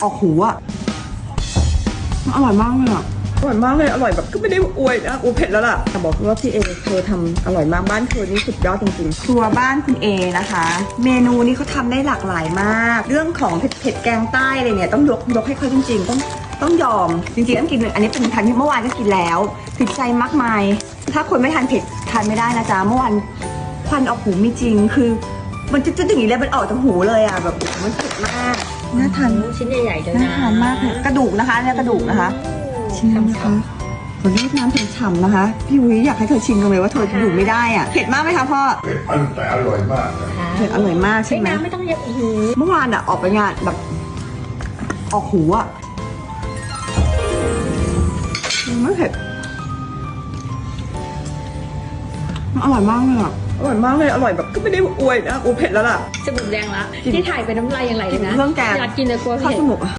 ออกหูอะอร่อยมากเลยอะอร่อยมากเลยอร่อยแบบก็ไม่ได้อวยนะเผ็ดแล้วล่ะแต่บอกว่าพี่เอเธอทำอร่อยมากบ้านเธอนี่สุดยอดจริงๆครัวบ้านคุณเอนะคะ เมนูนี้เขาทำได้หลากหลายมากเรื่องของเผ็ดแกงใต้อะไรเนี่ยต้องยกให้เขาจริงๆต้องยอมจริงๆต้องกินอันนี้เป็นทานที่เมื่อวานก็กินแล้วติดใจมากมายถ้าคนไม่ทานเผ็ดทานไม่ได้นะจ๊ะเมื่อวานควันออกหูมีจริงคือมันจะอย่างนี้เลยมันออกจากหูเลยอ่ะแบบมันเผ็ดมากน่าทานชิ้นใหญ่ๆเลยนะน่าทานมากเลยกระดูกนะคะเนี่ยกระดูกนะคะชิมนะคะขอเรียกน้ำฉ่ำๆนะคะพี่วิอยากให้เธอชิมกันเลยว่าเธออยู่ไม่ได้อ่ะเผ็ดมากไหมคะพ่อเผ็ดแต่อร่อยมากนะเผ็ดอร่อยมากใช่ไหมน้ำไม่ต้องเยอะอีกเมื่อวานอ่ะออกไปงานแบบออกหูอ่ะไม่เผ็ดอร่อยมากเลยอ่ะอร่อยมากเลยอร่อยแบบก็ไม่ได้อวยนะเผ็ดแล้วล่ะจมูกแดงละที่ถ่ายไปน้ำลายยังไหลเลยนะเครื่องแกงอยากกินเลยกลัวข้าวเผ็ดจมูก